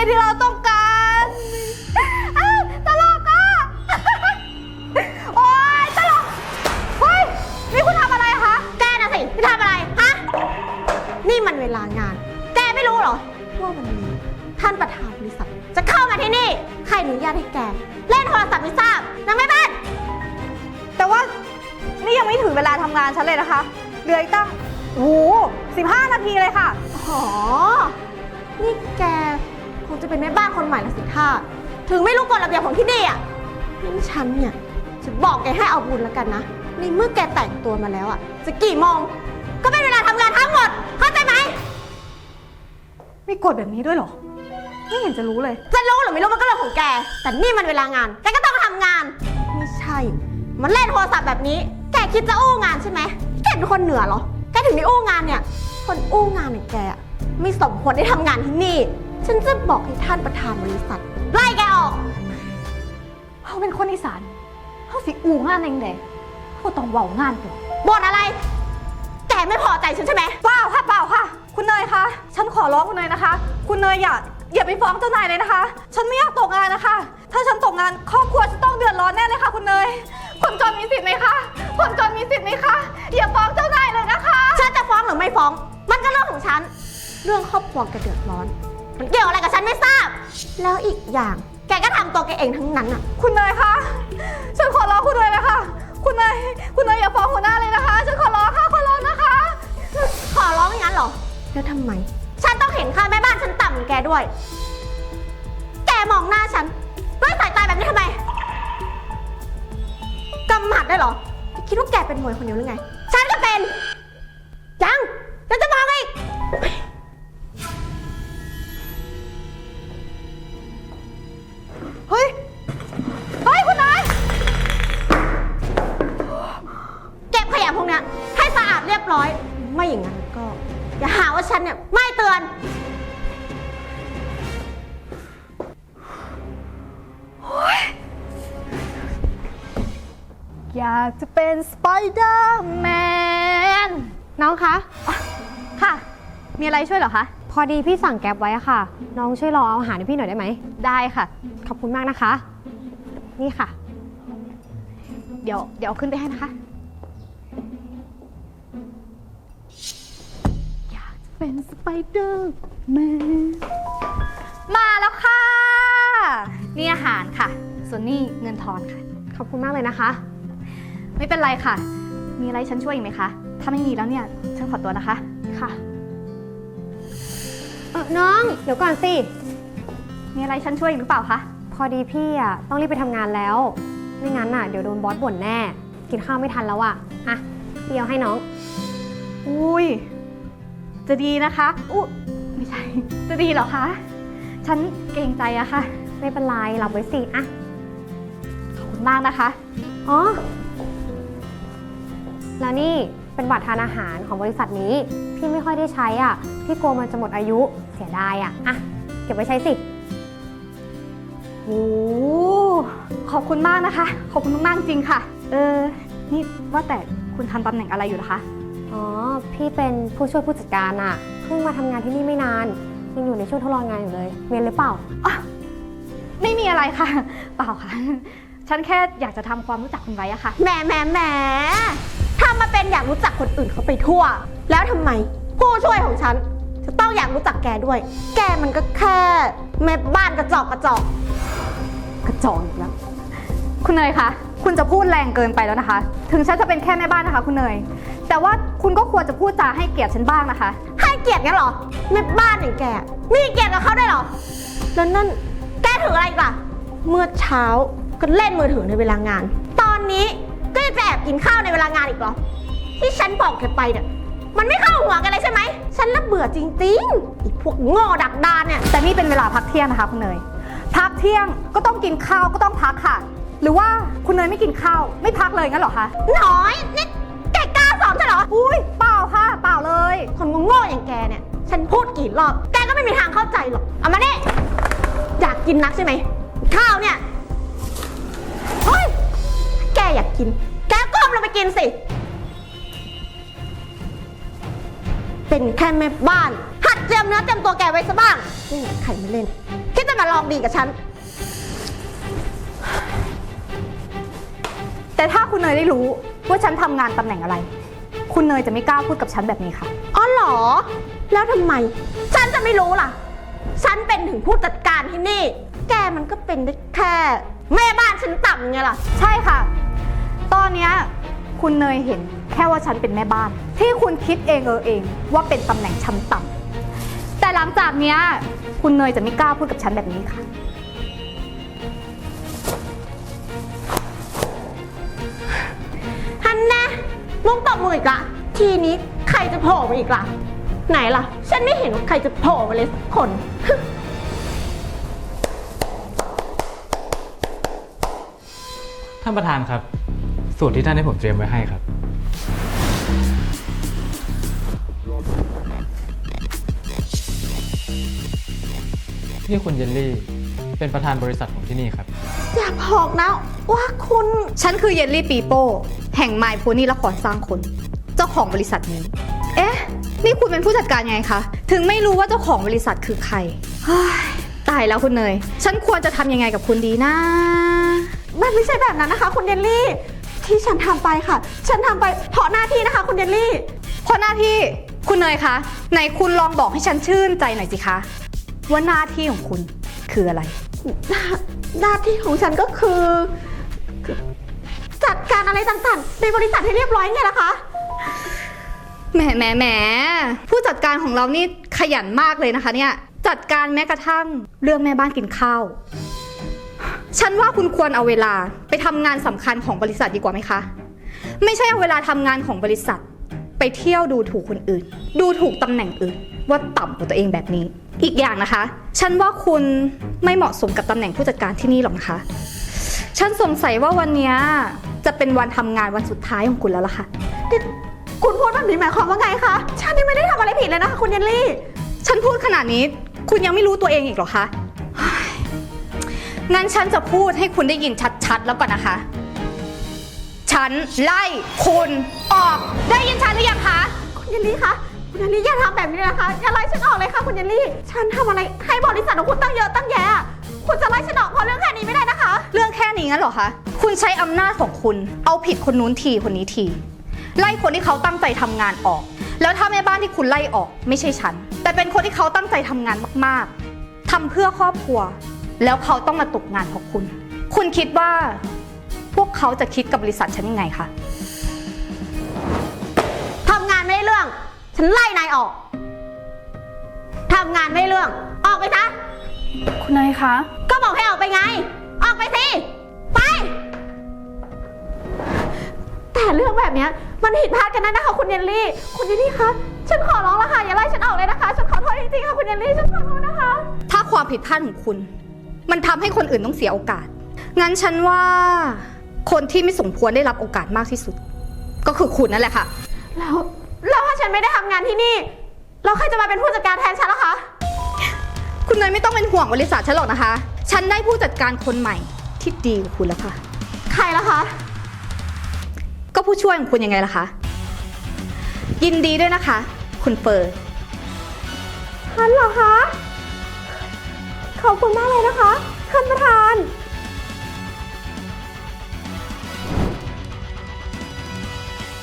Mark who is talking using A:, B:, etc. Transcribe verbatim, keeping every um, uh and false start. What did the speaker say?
A: ที่เราต้องการอ้าวตลกอ่ะ โอ๊ยตลกเฮ้ยนี่คุณทำอะไรคะแกน่ะสิที่ทำอะไรฮะนี่มันเวลางานแกไม่รู้เหรอว่าวันนี้ท่านประธานบริษัทจะเข้ามาที่นี่ใครอนุญาตให้แกเล่นโทรศัพท์ไม่ทราบนางแม่บ้านแต่ว่านี่ยังไม่ถึงเวลาทำงานฉันเลยนะคะเหลืออีกตั้งโอ้โหสิบห้านาทีเลยค่ะอ๋อนี่แกคงจะเป็นแม่บ้านคนใหม่ละสิท่าถึงไม่รู้กฎระเบียบของที่นี่อ่ะงั้นฉันเนี่ยจะบอกแกให้เอาบุญแล้วกันนะในเมื่อแกแต่งตัวมาแล้วอ่ะจะกี่โมงก็เป็นเวลาทำงานทั้งหมดเข้าใจไหมมีกฎแบบนี้ด้วยเหรอไม่เห็นจะรู้เลยจะรู้หรือไม่รู้มันก็เรื่องของแกแต่นี่มันเวลางานแกก็ต้องทำงานไม่ใช่มันเล่นโทรศัพท์แบบนี้แกคิดจะอู้งานใช่ไหมแกเป็นคนเหนือเหรอแกถึงได้อู้งานเนี่ยคนอู้งานอย่างแกอ่ะไม่สมควรได้ทำงานที่นี่ฉันจะบอกให้ท่านประธานบริษัทไล่แกออกเขาเป็นคนอีสานเขาสิอู้งานเองเด้เขาต้องเว้างานตัวบ่นอะไรแกไม่พอใจฉันใช่ไหมเปล่าค่ะเปล่าค่ะคุณเนยคะฉันขอร้องคุณเนยนะคะคุณเนยอย่าอย่าไปฟ้องเจ้านายเลยนะคะฉันไม่อยากตกงานนะคะถ้าฉันตกงานครอบครัวจะต้องเดือดร้อนแน่เลยค่ะคุณเนยคนจนมีสิทธิ์ไหมคะคนจนมีสิทธิ์ไหมคะอย่าฟ้องเจ้านายเลยนะคะฉันจะฟ้องหรือไม่ฟ้องมันก็เรื่องของฉันเรื่องครอบครัวแกเดือดร้อนมันเกี่ยวอะไรกับฉันไม่ทราบแล้วอีกอย่างแกก็ทำตัวแกเองทั้งนั้นอ่ะคุณเนยคะฉันขอร้องคุณเนยนะคะคุณเนยคุณเนยอย่าฟ้องหัวหน้าเลยนะคะฉันขอร้องค่ะขอร้องนะคะขอร้องอย่างนั้นเหรอแล้วทำไมฉันต้องเห็นค่าแม่บ้านฉันต่ำเหมือนแกด้วยแกมองหน้าฉันด้วยสายตาแบบนี้ทำไมกำหมัดได้เหรอคิดว่าแกเป็นมวยคนเดียวหรือไงฉันก็เป็นยังฉันจะมองอีกเฮ้ยเฮ้ยคุณนายเก็บขยะพวกนี้ให้สะอาดเรียบร้อยไม่อย่างนั้นก็อย่าหาว่าฉันเนี่ยไม่เตือนอยากจะเป็นสไปเดอร์แมนน้องคะค่ะมีอะไรช่วยเหรอคะพอดีพี่สั่งแก๊ปไว้อะค่ะน้องช่วยรอเอาอาหารให้พี่หน่อยได้ไหมได้ค่ะขอบคุณมากนะคะนี่ค่ะเดี๋ยวเดี๋ยวขึ้นไปให้นะคะอยากจะเป็นสไปเดอร์แมนมาแล้วค่ะนี่อาหารค่ะส่วนนี่เงินทอนค่ะขอบคุณมากเลยนะคะไม่เป็นไรค่ะมีอะไรฉันช่วยอีกไหมคะถ้าไม่มีแล้วเนี่ยฉันขอตัวนะคะค่ะเออน้องเดี๋ยวก่อนสิมีอะไรฉันช่วยอีกหรือเปล่าคะพอดีพี่อ่ะต้องรีบไปทำงานแล้วไม่งั้นอ่ะเดี๋ยวโดนบอสบ่นแน่กินข้าวไม่ทันแล้วอ่ะอ่ะพี่เอาให้น้องอุ้ยจะดีนะคะอุ๊ไม่ใช่จะดีเหรอคะฉันเกรงใจอะค่ะไม่เป็นไรรับไว้สิอ่ะขอบคุณมากนะคะอ๋อแล้วนี่เป็นบัตรทานอาหารของบริษัทนี้พี่ไม่ค่อยได้ใช้อ่ะพี่กลัวมันจะหมดอายุเสียดายอ่ะอ่ะเก็บไว้ใช้สิโอ้ขอบคุณมากนะคะขอบคุณมากจริงค่ะเออนี่ว่าแต่คุณทำตำแหน่งอะไรอยู่นะคะอ๋อพี่เป็นผู้ช่วยผู้จัดการอ่ะเพิ่งมาทำงานที่นี่ไม่นานยังอยู่ในช่วงทดลองงานอยู่เลยเรียนหรือเปล่าอ๋อไม่มีอะไรค่ะเปล่าค่ะฉันแค่อยากจะทำความรู้จักคุณไว้อะค่ะแหมแหมแหมทำมาเป็นอยากรู้จักคนอื่นเขาไปทั่วแล้วทำไมผู้ช่วยของฉันจะต้องอยากรู้จักแกด้วยแกมันก็แค่แม่บ้านกระจอกกระจอกกระจอกอีกแล้วคุณเนยคะคุณจะพูดแรงเกินไปแล้วนะคะถึงฉันจะเป็นแค่แม่บ้านนะคะคุณเนยแต่ว่าคุณก็ควรจะพูดจาให้เกียรติฉันบ้างนะคะให้เกียรติงั้นเหรอแม่บ้านอย่างแกมีเกียรติกับเขาได้เหรอแล้วนั่นแกถืออะไรอีกล่ะเมื่อเช้าก็เล่นมือถือในเวลางานตอนนี้ก็จะแอบกินข้าวในเวลางานอีกเหรอที่ฉันบอกแกไปเนี่ยมันไม่เข้าหัวกันเลยใช่ไหมฉันละเบื่อจริงๆไอ้พวกโง่ดักดานเนี่ยแต่นี่เป็นเวลาพักเที่ยงนะคะคุณเนยพักเที่ยงก็ต้องกินข้าวก็ต้องพักค่ะหรือว่าคุณเนยไม่กินข้าวไม่พักเลยงั้นเหรอคะน้อยนี่แกกล้าสอนฉันเหรออุ้ยเปล่าค่ะเปล่าเลยคนโง่ๆอย่างแกเนี่ยฉันพูดกี่รอบแกก็ไม่มีทางเข้าใจหรอกเอามาเนี่ยอยากกินนักใช่ไหมข้าวเนี่ยเฮ้ยแกอยากกินแกก้มลงไปกินสิเป็นแค่แม่บ้านหัดเตรียมเนื้อเตรียมตัวแกไว้ซะบ้างไม่มีใครมาเล่นคิดมาลองดีกับฉัน
B: แต่ถ้าคุณเนยได้รู้ว่าฉันทำงานตำแหน่งอะไร คุณเนยจะไม่กล้าพูดกับฉันแบบนี้ค่ะ
A: อ๋อเหรอ แล้วทำไม ฉันจะไม่รู้ล่ะ ฉันเป็นถึงผู้จัดการที่นี่ แกมันก็เป็นได้แค่แม่บ้านฉันต่ำไงล่ะ
B: ใช่ค่ะ ตอนเนี้ยคุณเนยเห็นแค่ว่าฉันเป็นแม่บ้าน ที่คุณคิดเองเออเองว่าเป็นตำแหน่งชั้นต่ำแต่หลังจากเนี้ยคุณเนยจะไม่กล้าพูดกับฉันแบบนี้ค่ะ
A: ฮันนะมุกตบมืออีกละ ทีนี้ใครจะโผล่มาอีกล่ะ ไหนล่ะ ฉันไม่เห็นว่าใครจะโผล่มาเลยสักคน
C: ท่านประธานครับ สูตรที่ท่านให้ผมเตรียมไว้ให้ครับ นี่คุณเยลลี่ เป็นประธานบริษัทของที่นี่ครับ
A: อย่าบอกนะว่าคุณ
B: ฉันคือเยลลี่ปีโป้แห่งไมโพนี่ละครสร้างคน เจ้าของบริษัทนี้ เอ๊ะ นี่คุณเป็นผู้จัดการยังไงคะ ถึงไม่รู้ว่าเจ้าของบริษัทคือใครเฮ้ยตายแล้วคุณเนย ฉันควรจะทำยังไงกับคุณดีนะ
A: มันไม่ใช่แบบนั้นนะคะ คุณเยลลี่ ที่ฉันทำไปค่ะ ฉันทำไปเพราะหน้าที่นะคะ คุณเยลลี่
B: เพราะหน้าที่คุณเนยคะไหนคุณลองบอกให้ฉันชื่นใจหน่อยสิคะว่าหน้าที่ของคุณคืออะไร
A: หน้าหน้าที่ของฉันก็คือคือ จัดการอะไรต่างๆ ในบริษัทให้เรียบร้อยไงล่ะคะ
B: แหมแหมแหมผู้จัดการของเรานี่ขยันมากเลยนะคะเนี่ยจัดการแม้กระทั่งเรื่องแม่บ้านกินข้าวฉันว่าคุณควรเอาเวลาไปทำงานสำคัญของบริษัทดีกว่าไหมคะไม่ใช่เอาเวลาทำงานของบริษัทไปเที่ยวดูถูกคนอื่น ดูถูกตำแหน่งอื่นว่าต่ำกว่าตัวเองแบบนี้อีกอย่างนะคะฉันว่าคุณไม่เหมาะสมกับตำแหน่งผู้จัดการที่นี่หรอกนะคะฉันสงสัยว่าวันนี้จะเป็นวันทำงานวันสุดท้ายของคุณแล้วล่ะค่ะ
A: คุณพูดแบบนี้หมายความว่าไงคะ ฉันนี่ไม่ได้ทำอะไรผิดเลยนะคะ คุณเยลลี่
B: ฉันพูดขนาดนี้คุณยังไม่รู้ตัวเองอีกเหรอคะเฮ้ยงั้นฉันจะพูดให้คุณได้ยินชัดๆแล้วก่อนนะคะ ฉันไล่คุณออกได้ยินฉันหรือยังคะ
A: คุณเยลลี่คะ คุณเยลลี่อย่าทำแบบนี้นะคะ อย่าไล่ฉันออกเลยค่ะคุณเยลลี่ ฉันทำอะไรให้บริษัทของคุณตั้งเยอะตั้งแยะ คุณจะไล่ฉันออกเพราะเรื่องแค่นี้ไม่ได้นะคะ
B: เรื่องแค่นี้งั้นเหรอคะ คุณใช้อำนาจของคุณ เอาผิดคนนู้นทีคนนี้ที ไล่คนที่เขาตั้งใจทำงานออก แล้วถ้าแม่บ้านที่คุณไล่ออกไม่ใช่ฉัน แต่เป็นคนที่เขาตั้งใจทำงานมากๆทำเพื่อครอบครัว แล้วเขาต้องมาตกงานเพราะคุณ คุณคิดว่าพวกเขาจะคิดกับบริษัทฉันยังไงคะ
A: ทำงานไม่ได้เรื่อง ฉันไล่นายออก ทำงานไม่ได้เรื่อง ออกไปซะ
B: คุณนายคะ
A: ก็บอกให้ออกไปไง ออกไปสิ ไป แต่เรื่องแบบเนี้ยมันผิดพลาดกันนะนะคะคุณเยลลี่ คุณเยลลี่คะ ฉันขอร้องแล้วค่ะอย่าไล่ฉันออกเลยนะคะ ฉันขอโทษจริงๆค่ะคุณเยลลี่ ฉันขอโทษนะคะ
B: ถ้าความผิดพลาดของคุณ มันทำให้คนอื่นต้องเสียโอกาส งั้นฉันว่าคนที่ไม่สมควรได้รับโอกาสมากที่สุด ก็คือคุณนั่นแหละค่ะ
A: แล้วแล้วถ้าฉันไม่ได้ทำงานที่นี่แล้วใครจะมาเป็นผู้จัดการแทนฉันล่ะคะ
B: คุณเนยไม่ต้องเป็นห่วงบริษัทฉันหรอกนะคะ ฉันได้ผู้จัดการคนใหม่ที่ดีกว่าคุณแล้วค่ะ
A: ใครล่ะคะ
B: ก็ผู้ช่วยของคุณยังไงล่ะคะ ยินดีด้วยนะคะ คุณเฟิร์น
A: ฉันเหรอคะ ขอบคุณมากเลยนะคะท่านประธาน